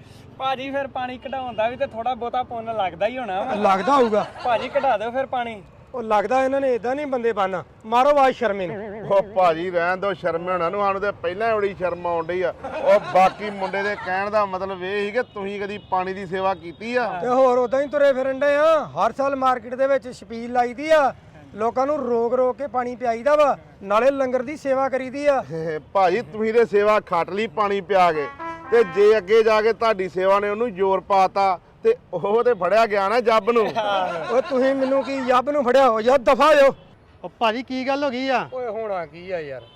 Speaker 1: ਭਾਜੀ ਫਿਰ ਪਾਣੀ ਕਢਾਉਣ ਦਾ ਵੀ ਤੇ ਥੋੜਾ ਬਹੁਤਾ ਪੁੰਨ ਲੱਗਦਾ ਹੀ ਹੋਣਾ ਵਾ।
Speaker 7: ਲੱਗਦਾ ਹੋਊਗਾ।
Speaker 1: ਭਾਜੀ ਕਢਾ ਦਿਓ ਫਿਰ ਪਾਣੀ।
Speaker 7: ਉਹ ਲੱਗਦਾ ਇਹਨਾਂ ਨੇ ਇਦਾਂ ਨਹੀਂ ਬੰਦੇ ਬਣਨਾ। ਮਾਰੋ ਆਵਾਜ਼ ਸ਼ਰਮੇ ਨੂੰ।
Speaker 2: ਉਹ ਭਾਜੀ ਰਹਿਣ ਦੋ ਸ਼ਰਮੇ ਹੋਣਾ ਨੂੰ, ਸਾਨੂੰ ਤੇ ਪਹਿਲਾਂ ਬੜੀ ਸ਼ਰਮ ਆਉਣ ਡਈ ਆ। ਉਹ ਬਾਕੀ ਮੁੰਡੇ ਦੇ ਕਹਿਣ ਦਾ ਮਤਲਬ ਇਹ ਸੀ ਕਿ ਤੁਸੀਂ ਕਦੀ ਪਾਣੀ ਦੀ ਸੇਵਾ ਕੀਤੀ ਆ?
Speaker 7: ਤੇ ਹੋਰ ਉਦਾਂ ਹੀ ਤੁਰੇ ਫਿਰਨ ਡੇ ਆ। ਹਰ ਸਾਲ ਮਾਰਕੀਟ ਦੇ ਵਿੱਚ ਛਪੀਲ ਲਾਈਦੀ ਆ, ਲੋਕਾਂ ਨੂੰ ਰੋਕ ਰੋਕ ਕੇ ਪਾਣੀ ਪਿਆਈਦਾ ਵਾ, ਨਾਲੇ ਲੰਗਰ ਦੀ ਸੇਵਾ ਕਰੀਦੀ ਆ।
Speaker 2: ਭਾਜੀ ਤੁਸੀਂ ਤੇ ਸੇਵਾ ਖੱਟ ਲਈ ਪਾਣੀ ਪਿਆ ਕੇ, ਤੇ ਜੇ ਅੱਗੇ ਜਾ ਕੇ ਤੁਹਾਡੀ ਸੇਵਾ ਨੇ ਉਹਨੂੰ ਜ਼ੋਰ ਪਾਤਾ ਤੇ ਉਹ ਤੇ ਫੜਿਆ ਗਿਆ ਨਾ ਜੱਬ ਨੂੰ।
Speaker 7: ਓਏ ਤੁਸੀਂ ਮੈਨੂੰ ਕੀ ਯੱਬ ਨੂੰ ਫੜਿਆ ਹੋ? ਯਾਰ ਦਫਾ ਹੋ।
Speaker 6: ਉਹ ਭਾਜੀ ਕੀ ਗੱਲ ਹੋ ਗਈ ਆ?
Speaker 7: ਓਏ ਹੋਣਾ ਕੀ ਆ ਯਾਰ?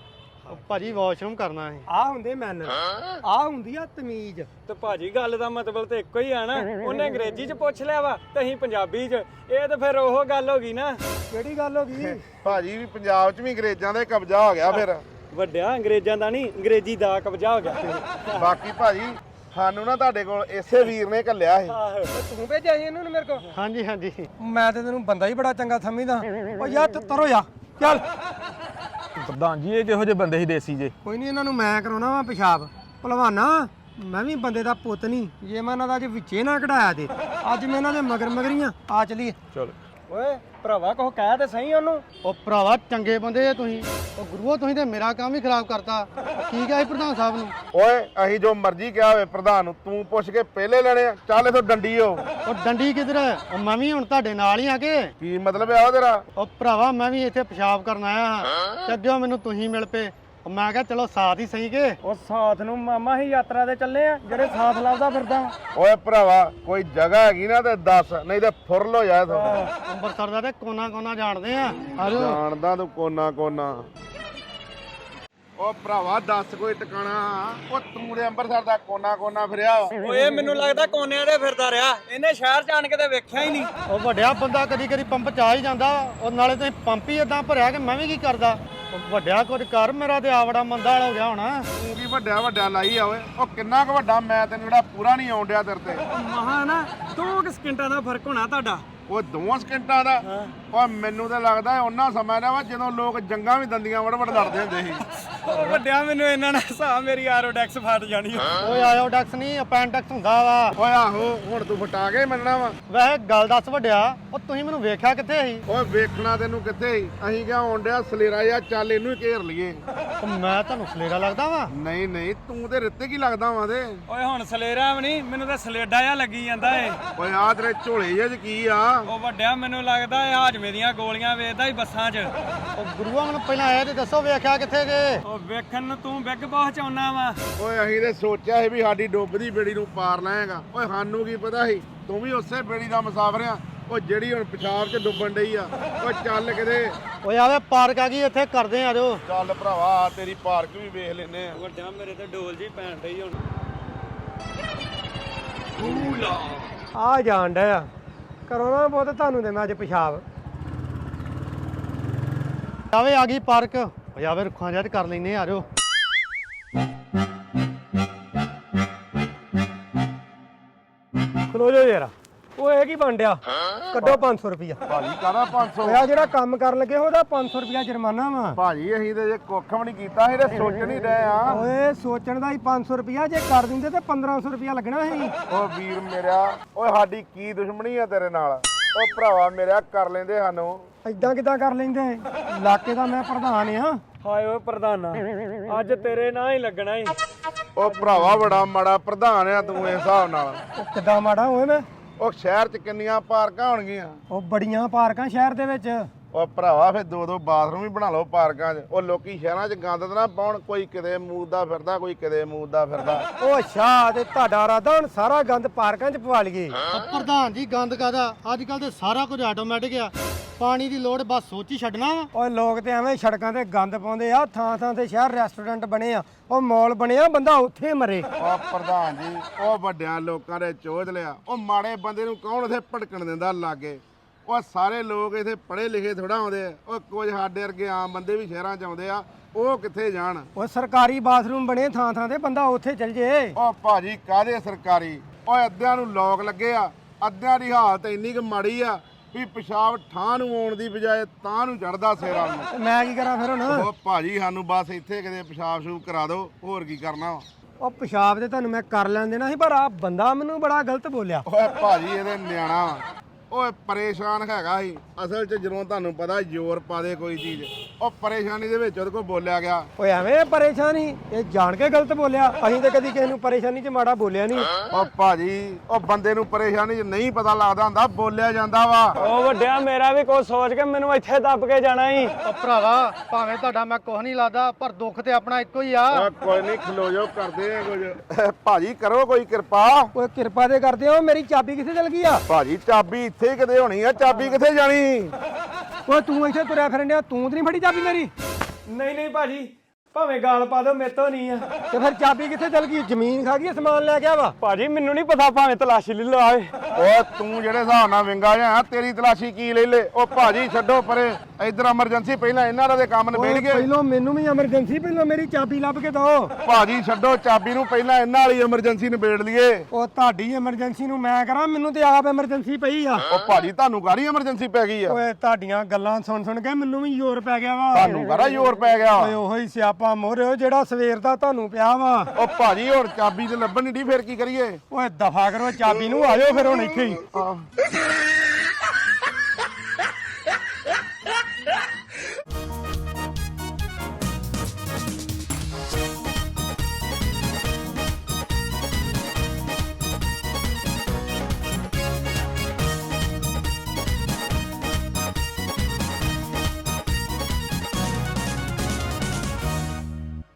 Speaker 6: ਉਹ ਭਾਜੀ ਵਾਸ਼ਰੂਮ ਕਰਨਾ ਹੈ।
Speaker 7: ਆ ਹੁੰਦੇ ਮੈਨਰ, ਆ ਹੁੰਦੀ ਆ ਤਮੀਜ਼।
Speaker 1: ਤੇ ਭਾਜੀ ਗੱਲ ਦਾ ਮਤਲਬ ਤੇ ਇੱਕੋ ਹੀ ਆ ਨਾ। ਉਹਨੇ ਅੰਗਰੇਜ਼ੀ 'ਚ ਪੁੱਛ ਲਿਆ ਵਾ ਤੇ ਅਸੀਂ ਪੰਜਾਬੀ 'ਚ। ਇਹ ਤਾਂ ਫਿਰ ਉਹ ਗੱਲ ਹੋ ਗਈ ਨਾ।
Speaker 7: ਕਿਹੜੀ ਗੱਲ ਹੋ ਗਈ?
Speaker 2: ਭਾਜੀ ਵੀ ਪੰਜਾਬ 'ਚ ਵੀ ਅੰਗਰੇਜ਼ਾਂ ਦਾ ਕਬਜ਼ਾ ਹੋ ਗਿਆ ਫਿਰ।
Speaker 1: ਵੱਡਿਆ ਅੰਗਰੇਜ਼ਾਂ ਦਾ ਨਹੀਂ, ਅੰਗਰੇਜ਼ੀ ਦਾ ਕਬਜ਼ਾ ਹੋ ਗਿਆ।
Speaker 2: ਬਾਕੀ ਭਾਜੀ ਸਾਨੂੰ ਨਾ ਤੁਹਾਡੇ ਕੋਲ ਇਸੇ ਵੀਰ ਨੇ ਘੱਲਿਆ ਸੀ।
Speaker 7: ਤੂੰ ਭੇਜਿਆ ਸੀ ਇਹਨੂੰ ਮੇਰੇ ਕੋਲ?
Speaker 6: ਹਾਂਜੀ ਹਾਂਜੀ।
Speaker 7: ਮੈਂ ਤੇ ਤੈਨੂੰ ਬੰਦਾ ਹੀ ਬੜਾ ਚੰਗਾ ਸਮਝਦਾ। ਓ ਯਾਰ ਤੂੰ ਤਰੋ ਜਾ ਚੱਲ।
Speaker 5: ਪ੍ਰਧਾਨ ਜੀ ਇਹ ਕਿਹੋ ਜਿਹੇ ਬੰਦੇ ਸੀ ਦੇਸੀ ਜੇ?
Speaker 7: ਕੋਈ ਨਹੀਂ, ਇਹਨਾਂ ਨੂੰ ਮੈਂ ਕਰਾਉਣਾ ਵਾ ਪਿਸ਼ਾਬ। ਭਲਵਾਨਾ ਮੈਂ ਵੀ ਬੰਦੇ ਦਾ ਪੁੱਤ ਨਹੀਂ, ਜੇ ਮੈਂ ਇਹਨਾਂ ਦਾ ਅੱਜ ਵਿੱਚੇ ਨਾ ਕਢਾਇਆ ਤੇ ਅੱਜ ਮੈਂ ਇਹਨਾਂ ਦੇ ਮਗਰ ਮਗਰੀਆਂ ਆ ਚਲੀਏ।
Speaker 5: ਚਲੋ।
Speaker 7: ਓਏ
Speaker 1: ਭਰਾਵਾ ਕੁਛ ਕਹਿ ਤੇ ਸਹੀ ਉਹਨੂੰ।
Speaker 6: ਉਹ ਭਰਾਵਾ ਚੰਗੇ ਬੰਦੇ ਆ ਤੁਸੀਂ। ਉਹ ਗੁਰੂਆ ਤੁਸੀਂ ਤੇ ਮੇਰਾ ਕੰਮ ਹੀ ਖਰਾਬ ਕਰਤਾ। ਕੀ ਕਿਹਾ ਸੀ ਪ੍ਰਧਾਨ ਸਾਹਿਬ ਨੂੰ?
Speaker 2: ਓਏ ਅਸੀਂ ਜੋ ਮਰਜ਼ੀ ਕਿਹਾ ਹੋਵੇ ਪ੍ਰਧਾਨ ਨੂੰ, ਤੂੰ ਪੁੱਛ ਕੇ ਪਹਿਲੇ ਲੈਣੇ ਆ। ਚੱਲ ਇਥੋਂ ਡੰਡੀ ਹੋ।
Speaker 6: ਉਹ ਡੰਡੀ ਕਿੱਧਰ ਹੈ? ਉਹ ਮੈਂ ਵੀ ਹੁਣ ਤੁਹਾਡੇ ਨਾਲ ਹੀ ਆ ਕੇ।
Speaker 2: ਕੀ ਮਤਲਬ ਆ ਉਹ ਤੇਰਾ?
Speaker 6: ਉਹ ਭਰਾਵਾ ਮੈਂ ਵੀ ਇੱਥੇ ਪਿਸ਼ਾਬ ਕਰਨ ਆਇਆ ਹਾਂ ਤੇ ਅੱਗੇ ਮੈਨੂੰ ਤੁਸੀਂ ਮਿਲ ਪਏ। ਉਹ ਮੈਂ ਕਿਹਾ ਚਲੋ ਸਾਥ ਹੀ ਸਹੀ ਕੇ।
Speaker 1: ਉਹ ਸਾਥ ਨੂੰ ਮਾਮਾ ਹੀ ਯਾਤਰਾ ਤੇ ਚੱਲੇ ਆ, ਜਿਹੜੇ ਸਾਥ ਲੱਭਦਾ ਫਿਰਦਾ।
Speaker 2: ਓਏ ਭਰਾਵਾ ਕੋਈ ਜਗ੍ਹਾ ਹੈਗੀ ਨਾ ਤੇ ਦੱਸ, ਨਹੀਂ ਤੇ ਫੁਰਲ ਹੋ ਜਾ ਇਥੋਂ।
Speaker 6: ਅੰਮ੍ਰਿਤਸਰ ਦਾ ਤੇ ਕੋਨਾ ਕੋਨਾ ਜਾਣਦੇ ਆ। ਆਜੋ।
Speaker 2: ਜਾਣਦਾ ਤੂੰ ਕੋਨਾ ਕੋਨਾ। ਉਹ ਭਰਾਵਾ ਦੱਸ ਕੋਈ ਟਿਕਾਣਾ। ਉਹ ਤੂੰ ਦੇ ਅੰਮ੍ਰਿਤਸਰ ਦਾ ਕੋਨਾ ਕੋਨਾ ਫਿਰਿਆ ਵਾ।
Speaker 1: ਓਏ ਮੈਨੂੰ ਲੱਗਦਾ ਕੋਨਿਆਂ ਦੇ ਫਿਰਦਾ ਰਿਹਾ, ਇਹਨੇ ਸ਼ਹਿਰ ਚ ਆਣ ਕੇ ਤੇ ਵੇਖਿਆ ਹੀ ਨਹੀਂ।
Speaker 6: ਉਹ ਵੱਡਿਆ ਬੰਦਾ ਕਦੀ ਕਦੀ ਪੰਪ ਚ ਆ ਹੀ ਜਾਂਦਾ। ਉਹ ਨਾਲੇ ਤੁਸੀਂ ਪੰਪ ਹੀ ਏਦਾਂ ਭਰਿਆ ਕਿ ਮੈਂ ਵੀ ਕੀ ਕਰਦਾ। ਉਹ ਵੱਡਿਆ ਕੁਝ ਕਰ, ਮੇਰਾ ਤੇ ਆਵੜਾ ਮੰਦਾ ਵਾਲਾ ਹੋ ਗਿਆ ਹੋਣਾ।
Speaker 2: ਤੂੰ ਕੀ ਵੱਡਿਆ ਵੱਡਾ ਲਾਈ ਆ ਓਏ। ਉਹ ਕਿੰਨਾ ਕੁ ਵੱਡਾ ਮੈਂ ਤੈਨੂੰ ਜਿਹੜਾ ਪੂਰਾ ਨਹੀਂ ਆਉਣ ਡਿਆ ਤੇਰੇ ਤੇ।
Speaker 1: ਮਹਾ ਨਾ ਦੋ ਕੁ ਸਕਿੰਟਾਂ ਦਾ ਫਰਕ ਹੋਣਾ ਤੁਹਾਡਾ।
Speaker 2: ਉਹ ਦੋਵਾਂ ਸਕਿੰਟਾਂ ਦਾ। ਓਏ ਮੈਨੂੰ ਤਾਂ ਲੱਗਦਾ ਉਹਨਾਂ ਸਮਾਂ ਦਾ ਵਾ ਜਦੋਂ ਲੋਕ ਜੰਗਾਂ ਵੀ ਦੰਦੀਆਂ ਵੜ ਵੜ ਲੜਦੇ ਹੁੰਦੇ ਸੀ।
Speaker 1: ਉਹ ਵੱਡਿਆ ਮੈਨੂੰ ਇਹਨਾਂ ਨਾਲ ਹਿਸਾਬ, ਮੇਰੀ ਆਰੋਡੈਕਸ ਫਟ ਜਾਣੀ।
Speaker 6: ਓਏ ਆਇਓ ਡੈਕਸ ਨਹੀਂ ਅਪੈਂਡੈਕਸ ਹੁੰਦਾ ਵਾ।
Speaker 2: ਓਏ ਆਹੋ ਹੁਣ ਤੂੰ ਫਟਾ ਕੇ ਮੰਨਣਾ ਵਾ।
Speaker 6: ਵੈਸੇ ਗੱਲ ਦੱਸ ਵੱਡਿਆ, ਉਹ ਤੁਸੀਂ ਮੈਨੂੰ ਵੇਖਿਆ ਕਿੱਥੇ ਸੀ?
Speaker 2: ਓਏ ਵੇਖਣਾ ਤੈਨੂੰ ਕਿੱਥੇ ਸੀ? ਅਸੀਂ ਕਿਹਾ ਆਉਣ ਡਿਆ ਸਲੇਰਾ ਜਾਂ ਚੱਲ ਇਹਨੂੰ ਹੀ ਘੇਰ ਲਈਏ।
Speaker 6: ਉਹ ਮੈਂ ਤੁਹਾਨੂੰ ਸਲੇਰਾ ਲੱਗਦਾ ਵਾ?
Speaker 2: ਨਹੀਂ ਨਹੀਂ ਤੂੰ ਤੇ ਰਿੱਤੇ ਕੀ ਲੱਗਦਾ ਵਾ ਤੇ।
Speaker 1: ਓਏ ਹੁਣ ਸਲੇਰਾ ਵੀ ਨਹੀਂ, ਮੈਨੂੰ ਤਾਂ ਸਲੇਡਾ ਜਿਹਾ ਲੱਗੀ ਜਾਂਦਾ ਏ।
Speaker 2: ਓਏ ਆ ਤੇਰੇ ਝੋਲੇ ਜਿਹੇ 'ਚ ਕੀ ਆ?
Speaker 1: ਉਹ ਵੱਡਿਆ ਮੈਨੂੰ ਲੱਗਦਾ ਇਹ ਹਾਜਮੇ ਦੀਆਂ ਗੋਲੀਆਂ ਵੇਚਦਾ ਹੀ ਬੱਸਾਂ 'ਚ।
Speaker 6: ਉਹ ਗੁਰੂਆ ਮੈਨੂੰ ਪਹਿਲਾਂ ਆਇਆ ਤੇ ਦੱਸੋ ਵੇਖਿਆ ਕਿੱਥੇ ਜੇ?
Speaker 1: ਉਹ ਵੇਖਣ ਨੂੰ ਤੂੰ ਬਿੱਗ ਪਹੁੰਚਾਉਣਾ ਵਾ।
Speaker 2: ਓਏ ਅਸੀਂ ਤੇ ਸੋਚਿਆ ਸੀ ਵੀ ਸਾਡੀ ਡੁੱਬਦੀ ਬੇੜੀ ਨੂੰ ਪਾਰ ਲਾਏਗਾ। ਓਏ ਸਾਨੂੰ ਕੀ ਪਤਾ ਸੀ ਤੂੰ ਵੀ ਉਸੇ ਬੇੜੀ ਦਾ ਮੁਸਾਫਰ ਆ। ਉਹ ਜਿਹੜੀ ਹੁਣ ਪਿਸ਼ਾਬ 'ਚ ਡੁੱਬਣ ਡਈ ਆ। ਓਏ ਚੱਲ ਕਿਤੇ।
Speaker 6: ਓਏ ਆਵੇ ਪਾਰਕ ਆ ਗਈ, ਇੱਥੇ ਕਰਦੇ ਆ ਜੋ।
Speaker 2: ਚੱਲ ਭਰਾਵਾ ਤੇਰੀ ਪਾਰਕ ਵੀ ਵੇਖ ਲੈਨੇ ਆ।
Speaker 1: ਵੱਡਿਆ ਮੇਰੇ ਤੇ ਡੋਲ ਜੀ ਪੈਣ ਡਈ ਹੁਣ।
Speaker 7: ਆ ਜਾਣ ਡਿਆ ਕਰੋ ਨਾ ਬਹੁਤ ਤੁਹਾਨੂੰ ਤੇ ਮੈਂ ਅੱਜ ਪਿਸ਼ਾਬ।
Speaker 6: ਆਵੇ ਆ ਗਈ ਪਾਰਕ। ਓਏ ਆਵੇ ਰੁੱਖਾਂ ਜਿਹਾ ਤੇ ਕਰ ਲੈਨੇ ਆ ਜੋ।
Speaker 7: ਖਲੋ ਜਾਓ ਯਾਰ। ਉਹ ਇਹ ਕੀ ਬਣ ਡਿਆ? ਕੱਢੋ ਪੰਜ ਸੌ ਰੁਪਿਆ।
Speaker 2: ਭਾਜੀ ਕਾਹਦਾ ਪੰਜ ਸੌ?
Speaker 7: ਆ ਜਿਹੜਾ ਕੰਮ ਕਰਨ ਲੱਗੇ ਉਹਦਾ ਪੰਜ ਸੌ ਰੁਪਿਆ ਜੁਰਮਾਨਾ ਵਾ।
Speaker 2: ਭਾਜੀ ਅਸੀਂ ਤੇ ਜੇ ਕੁੱਖ ਵੀ ਨਹੀਂ ਕੀਤਾ, ਅਸੀਂ ਤੇ ਸੋਚ ਨਹੀਂ ਰਹੇ ਆ।
Speaker 7: ਓਏ ਸੋਚਣ ਦਾ ਹੀ ਪੰਜ ਸੌ ਰੁਪਿਆ, ਜੇ ਕਰ ਦਿੰਦੇ ਤੇ ਪੰਦਰਾਂ ਸੌ ਰੁਪਿਆ ਲੱਗਣਾ ਸੀ।
Speaker 2: ਓ ਵੀਰ ਮੇਰਾ, ਓਏ ਸਾਡੀ ਕੀ ਦੁਸ਼ਮਣੀ ਆ ਤੇਰੇ ਨਾਲ? ਓ ਭਰਾਵਾ ਮੇਰਾ ਕਰ ਲੈਂਦੇ ਸਾਨੂੰ।
Speaker 7: ਏਦਾਂ ਕਿਦਾਂ ਕਰ ਲੈਂਦੇ? ਇਲਾਕੇ ਦਾ ਮੈਂ ਪ੍ਰਧਾਨ ਆ।
Speaker 1: ਹਾਏ ਓਏ ਪ੍ਰਧਾਨਾ, ਅੱਜ ਤੇਰੇ ਨਾਂ ਹੀ ਲੱਗਣਾ ਹੀ।
Speaker 2: ਓ ਭਰਾਵਾ ਬੜਾ ਮਾੜਾ ਪ੍ਰਧਾਨ ਆ ਤੂੰ ਇਸ ਹਿਸਾਬ ਨਾਲ।
Speaker 7: ਉਹ ਕਿੱਦਾਂ ਮਾੜਾ ਹੋਏ ਮੈਂ?
Speaker 2: ਉਹ ਸ਼ਹਿਰ 'ਚ ਕਿੰਨੀਆਂ ਪਾਰਕਾਂ ਹੋਣਗੀਆਂ?
Speaker 7: ਉਹ ਬੜੀਆਂ ਪਾਰਕਾਂ ਸ਼ਹਿਰ ਦੇ ਵਿੱਚ।
Speaker 2: ਉਹ ਭਰਾਵਾ ਫਿਰ ਦੋ ਦੋ ਬਾਥਰੂਮ ਵੀ ਬਣਾ ਲਓ ਪਾਰਕਾਂ 'ਚ। ਉਹ ਲੋਕੀ ਸ਼ਹਿਰਾਂ 'ਚ ਗੰਦ ਤਾਂ ਨਾ ਪਾਉਣ, ਕੋਈ ਕਿਤੇ ਮੂਦਦਾ ਫਿਰਦਾ, ਕੋਈ ਕਿਤੇ ਮੂਦਦਾ ਫਿਰਦਾ।
Speaker 7: ਉਹ ਅੱਛਾ, ਤੇ ਤੁਹਾਡਾ ਇਰਾਦਾ ਹੁਣ ਸਾਰਾ ਗੰਦ ਪਾਰਕਾਂ 'ਚ ਪਵਾ ਲਈਏ?
Speaker 6: ਉਹ ਪ੍ਰਧਾਨ ਜੀ ਗੰਦ ਕਾਦਾ? ਅੱਜ ਕੱਲ ਤੇ ਸਾਰਾ ਕੁਝ ਆਟੋਮੈਟਿਕ ਆ। ਪਾਣੀ ਦੀ ਲੋੜ ਬਸ ਸੋਚ ਹੀ ਛੱਡਣਾ ਵਾ।
Speaker 7: ਓਏ ਲੋਕ ਤੇ ਐਵੇਂ ਸੜਕਾਂ ਤੇ ਗੰਦ ਪਾਉਂਦੇ ਆ। ਥਾਂ ਥਾਂ ਤੇ ਸ਼ਹਿਰ ਰੈਸਟੋਰੈਂਟ ਬਣੇ ਆ, ਉਹ ਮਾਲ ਬਣੇ ਆ, ਬੰਦਾ ਉੱਥੇ ਮਰੇ।
Speaker 2: ਉਹ ਪ੍ਰਧਾਨ ਜੀ, ਉਹ ਵੱਡਿਆਂ ਲੋਕਾਂ ਦੇ ਚੋਦ ਲਿਆ। ਉਹ ਮਾੜੇ ਬੰਦੇ ਨੂੰ ਕੌਣ ਉੱਥੇ ਭਟਕਣ ਦਿੰਦਾ ਲਾਗੇ? ਉਹ ਸਾਰੇ ਲੋਕ ਇੱਥੇ ਪੜ੍ਹੇ ਲਿਖੇ ਥੋੜਾ ਆਉਂਦੇ ਆ। ਉਹ ਕੁਝ ਸਾਡੇ ਵਰਗੇ ਆਮ ਬੰਦੇ ਵੀ ਸ਼ਹਿਰਾਂ 'ਚ ਆਉਂਦੇ ਆ, ਉਹ ਕਿੱਥੇ ਜਾਣ?
Speaker 7: ਉਹ ਸਰਕਾਰੀ ਬਾਥਰੂਮ ਬਣੇ ਥਾਂ ਥਾਂ ਤੇ, ਬੰਦਾ ਉੱਥੇ ਚੱਲ ਜੇ।
Speaker 2: ਉਹ ਭਾਜੀ ਕਾਹਦੇ ਸਰਕਾਰੀ? ਓਏ ਅੱਧਿਆਂ ਨੂੰ ਲੋਕ ਲੱਗੇ ਆ, ਅੱਧਿਆਂ ਦੀ ਹਾਲਤ ਇੰਨੀ ਕੁ ਮਾੜੀ ਆ ਵੀ ਪਿਸ਼ਾਬ ਠਾਂ ਨੂੰ ਆਉਣ ਦੀ ਬਜਾਏ ਤਾਂ ਨੂੰ ਚੜਦਾ ਸਿਰਾਂ ਨੂੰ।
Speaker 7: ਤੇ ਮੈਂ ਕੀ ਕਰਾਂ ਫਿਰ ਹੁਣ?
Speaker 2: ਉਹ ਭਾਜੀ ਸਾਨੂੰ ਬਸ ਇੱਥੇ ਕਿਤੇ ਪਿਸ਼ਾਬ ਸ਼ੂਬ ਕਰਾ ਦਿਓ, ਹੋਰ ਕੀ ਕਰਨਾ ਵਾ।
Speaker 7: ਉਹ ਪਿਸ਼ਾਬ ਤੇ ਤੁਹਾਨੂੰ ਮੈਂ ਕਰ ਲੈਣ ਦੇਣਾ ਸੀ, ਪਰ ਆ ਬੰਦਾ ਮੈਨੂੰ ਬੜਾ ਗਲਤ ਬੋਲਿਆ।
Speaker 2: ਓਏ ਭਾਜੀ ਇਹਦੇ ਨਿਆਣਾ ਵਾ। ਓਏ ਪਰੇਸ਼ਾਨ ਹੈਗਾ ਸੀ ਅਸਲ 'ਚ। ਜਦੋਂ ਤੁਹਾਨੂੰ ਪਤਾ ਜ਼ੋਰ ਪਾ ਦੇ ਕੋਈ ਚੀਜ਼, ਉਹ ਪਰੇਸ਼ਾਨੀ ਦੇ ਵਿੱਚ ਉਹਦੇ ਕੋਲ ਬੋਲਿਆ ਗਿਆ।
Speaker 7: ਓਏ ਐਵੇਂ ਪਰੇਸ਼ਾਨੀ? ਇਹ ਜਾਣ ਕੇ ਗਲਤ ਬੋਲਿਆ। ਅਸੀਂ ਤੇ ਕਦੀ ਕਿਸੇ ਨੂੰ ਪਰੇਸ਼ਾਨੀ 'ਚ ਮਾੜਾ ਬੋਲਿਆ ਨਹੀਂ।
Speaker 2: ਉਹ ਭਾਜੀ ਉਹ ਬੰਦੇ ਨੂੰ ਪਰੇਸ਼ਾਨੀ 'ਚ ਨਹੀਂ ਪਤਾ ਲੱਗਦਾ ਹੁੰਦਾ, ਬੋਲਿਆ ਜਾਂਦਾ ਵਾ।
Speaker 1: ਉਹ ਵੱਡਿਆ ਮੇਰਾ ਵੀ ਕੁਝ ਸੋਚ ਕੇ ਮੈਨੂੰ ਇੱਥੇ ਦੱਬ ਕੇ ਜਾਣਾ ਹੀ।
Speaker 6: ਉਹ ਭਰਾਵਾ ਭਾਵੇਂ ਤੁਹਾਡਾ ਮੈਂ ਕੁਝ ਨਹੀਂ ਲੱਗਦਾ, ਪਰ ਦੁੱਖ ਤੇ ਆਪਣਾ ਇੱਕੋ ਹੀ ਆ।
Speaker 2: ਓਏ ਕੋਈ ਨਹੀਂ, ਖਲੋ ਜਾਓ, ਕਰਦੇ ਆ ਕੁਝ। ਭਾਜੀ ਕਰੋ ਕੋਈ ਕਿਰਪਾ।
Speaker 7: ਓਏ ਕਿਰਪਾ ਦੇ ਕਰਦੇ ਹੋ। ਮੇਰੀ ਚਾਬੀ ਕਿੱਥੇ ਚਲ ਗਈ ਆ?
Speaker 2: ਭਾਜੀ ਚਾਬੀ ਇੱਥੇ ਹੀ ਕਿਤੇ ਹੋਣੀ ਆ, ਚਾਬੀ ਕਿੱਥੇ ਜਾਣੀ?
Speaker 7: ਓਏ ਤੂੰ ਇੱਥੇ ਤੁਰਿਆ ਫਿਰਨ ਡਿਆ, ਤੂੰ ਤੇ ਨਹੀਂ ਫੜੀ ਚਾਬੀ ਮੇਰੀ?
Speaker 1: ਨਹੀਂ ਨਹੀਂ ਭਾਜੀ, ਭਾਵੇਂ ਗਾਲ ਪਾ ਦੋ, ਮੇਰੇ ਤੋਂ ਨਹੀਂ ਆ।
Speaker 7: ਤੇ ਫਿਰ ਚਾਬੀ ਕਿੱਥੇ ਚਲ ਗਈ? ਜ਼ਮੀਨ ਖਾ ਗਈ, ਸਮਾਨ ਲੈ ਗਿਆ ਵਾ?
Speaker 1: ਭਾਜੀ ਮੈਨੂੰ ਨਹੀਂ ਪਤਾ, ਭਾਵੇਂ ਤਲਾਸ਼ੀ ਲੈ ਲਾਏ।
Speaker 2: ਓ ਤੂੰ ਜਿਹੜੇ ਹਿਸਾਬ ਨਾਲ ਵਿੰਗਾ ਜਾਂ ਤੇਰੀ ਤਲਾਸ਼ੀ ਕੀ ਲੈ ਲੈ? ਉਹ ਭਾਜੀ ਛੱਡੋ ਪਰੇ, ਇਧਰ ਐਮਰਜੈਂਸੀ, ਪਹਿਲਾਂ ਇਹਨਾਂ ਦਾ ਕੰਮ ਨਿਬੇੜ ਗਏ।
Speaker 7: ਪਹਿਲਾਂ ਮੈਨੂੰ ਵੀ ਐਮਰਜੈਂਸੀ, ਪਹਿਲਾਂ ਮੇਰੀ ਚਾਬੀ ਲੱਭ ਕੇ ਦਿਓ।
Speaker 2: ਭਾਜੀ ਛੱਡੋ ਚਾਬੀ ਨੂੰ, ਪਹਿਲਾਂ ਇਹਨਾਂ ਵਾਲੀ ਐਮਰਜੈਂਸੀ ਨਿਬੇੜ ਲਈਏ।
Speaker 7: ਉਹ ਤੁਹਾਡੀ ਐਮਰਜੈਂਸੀ ਨੂੰ ਮੈਂ ਕਰਾਂ, ਮੈਨੂੰ ਤੇ ਆਪ ਐਮਰਜੈਂਸੀ ਪਈ ਆ।
Speaker 2: ਉਹ ਭਾਜੀ ਤੁਹਾਨੂੰ ਕਾਹਦੀ ਐਮਰਜੈਂਸੀ ਪੈ ਗਈ ਆ?
Speaker 7: ਓਏ ਤੁਹਾਡੀਆਂ ਗੱਲਾਂ ਸੁਣ ਸੁਣ ਕੇ ਮੈਨੂੰ ਵੀ ਜ਼ੋਰ ਪੈ ਗਿਆ ਵਾ।
Speaker 2: ਤੁਹਾਨੂੰ ਕਾਹਦਾ ਜ਼ੋਰ ਪੈ ਗਿਆ?
Speaker 7: ਓਏ ਉਹੋ ਹੀ ਸਿਆਪਾ ਮੋਰਿਓ ਜਿਹੜਾ ਸਵੇਰ ਦਾ ਤੁਹਾਨੂੰ ਪਿਆ ਵਾ।
Speaker 2: ਉਹ ਭਾਜੀ ਹੁਣ ਚਾਬੀ ਤੇ ਲੱਭਣ ਨਹੀਂ ਢੀ, ਫਿਰ ਕੀ ਕਰੀਏ?
Speaker 7: ਓਏ ਦਫਾ ਕਰੋ ਚਾਬੀ ਨੂੰ, ਆ ਜਾਓ ਫਿਰ ਹੁਣ ਇੱਥੇ ਹੀ।